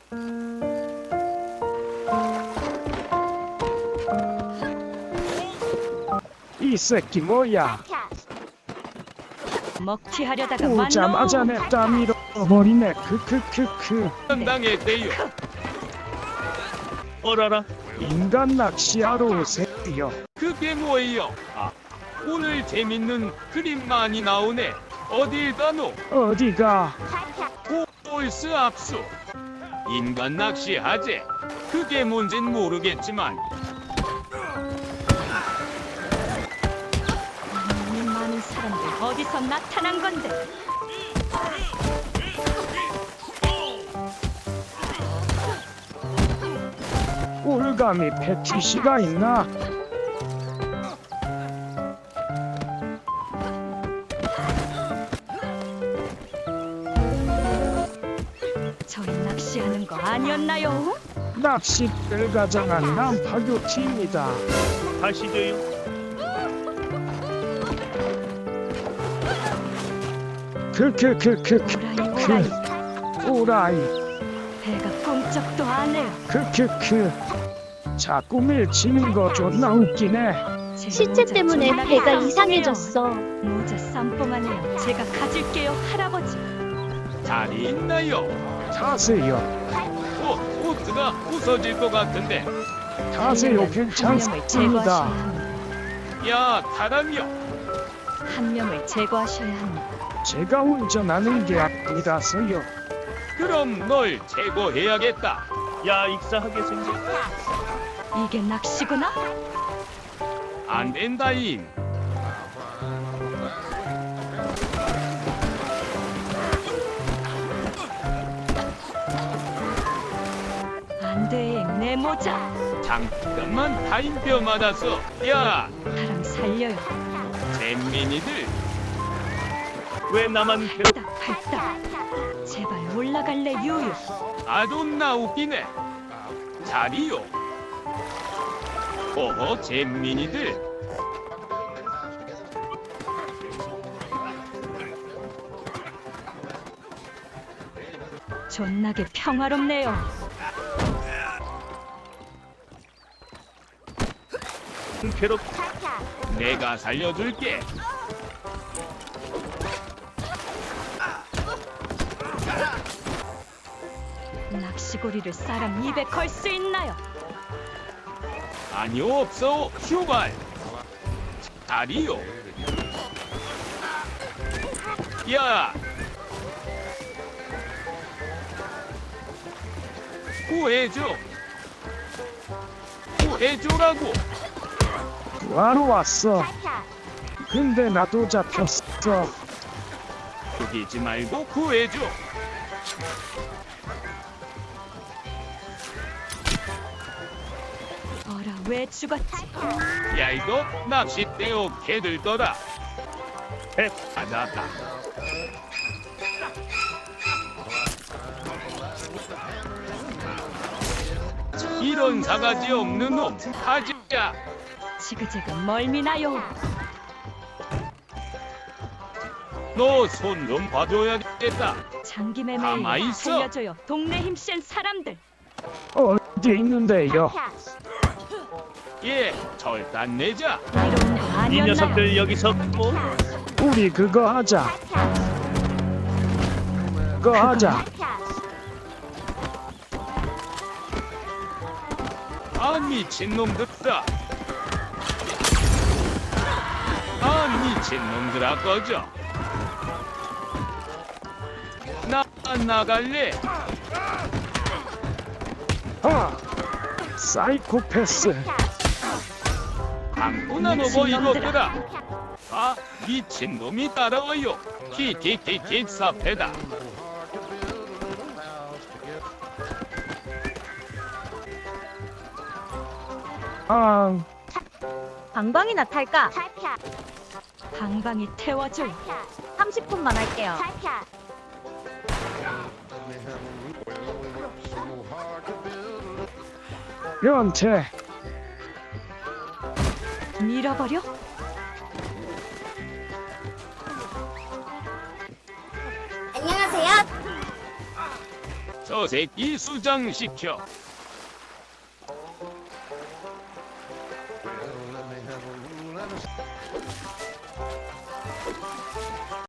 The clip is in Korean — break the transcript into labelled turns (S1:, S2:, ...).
S1: 이 새끼 뭐야?
S2: 먹튀하려다가
S1: 오자마자 내 땀 잃어버리네. 크크크크.
S3: 당했대요. 어라라,
S1: 인간 낚시하러 오세요.
S3: 그게 뭐예요? 아, 오늘 재밌는 그림 많이 나오네. 어딜 가노?
S1: 어디가?
S3: 홀스 압수. 인간 낚시하재. 그게 뭔진 모르겠지만
S2: 이 많은 사람들 어디서 나타난 건데?
S1: 올가미 패티시가 있나?
S2: 저희 낚시하는 거 아니었나요?
S1: 낚싯배를 가장한 난파교팀이다.
S3: 가시죠요.
S1: 크크크크크.
S2: 오라이
S1: 오라이.
S2: 배가 꿈쩍도 안 해요.
S1: 크크크. 자꾸 밀치는 거 존나 웃기네.
S2: 제
S4: 시체
S2: 모자
S4: 때문에
S2: 존나
S4: 배가
S2: 깜깜해요.
S4: 이상해졌어.
S2: 모자 쌈뽕하네요. 제가 가질게요, 할아버지.
S3: 자리 있나요?
S1: 타세요.
S3: 보트가 부서질 것 같은데.
S1: 타세요.
S2: 한 명을 제거하셔야
S1: 괜찮습니다.
S2: 합니다.
S3: 야, 타람요.
S2: 한 명을 제거하셔야 합니다.
S1: 제가 운전하는 게 아니라서요.
S3: 그럼 널 제거해야겠다. 야, 익사하게 생겼.
S2: 이게 낚시구나?
S3: 안 된다잉.
S2: 안 돼, 내 모자.
S3: 잠깐만 타임표 맞았어. 야,
S2: 사람 살려요.
S3: 잼민이들. 왜 나만
S2: 발딱, 발딱. 제발 올라갈래, 유유.
S3: 아주 나웃기네. 자리요. 어허, 잼민이들.
S2: 존나게 평화롭네요.
S3: 괴롭. 내가 살려줄게.
S2: 낚시고리를 사람 입에 걸 수 있나요?
S3: 아니요, 없어. 휴발. 자리요. 야. 구해줘. 구해줘라고.
S1: 구하러 왔어. 근데 나도 잡혔어.
S3: 죽이지 말고 구해줘.
S2: 어라, 왜 죽었지?
S3: 야, 이거 낚싯대요 개들더라. 배 받았다. 이런 사가지 없는 놈 하지야.
S2: 지그재그 멀미나요.
S3: 너 손 좀 봐줘야겠다.
S2: 장기매매에
S3: 가만히 있어.
S2: 살려줘요. 동네 힘센 사람들.
S1: 어디 있는데요?
S3: 예, 절단 내자.
S2: 이런 거 아니었나요?
S3: 여기서 뭐?
S1: 우리 그거 하자. 그거 하자.
S3: 아, 미친놈들아. 아, 미친놈들아, 꺼져. 나 나갈래.
S1: 아, 사이코패스.
S3: 방구나 먹어 이것들아. 아, 미친놈이 따라와요. 키키키키 사패다.
S1: 아,
S4: 방방이나 탈까?
S2: 방방이 태워줘요.
S4: 30분만 할게요.
S1: 연태.
S2: 밀어버려?
S4: 안녕하세요.
S3: 저 새끼 수장시켜.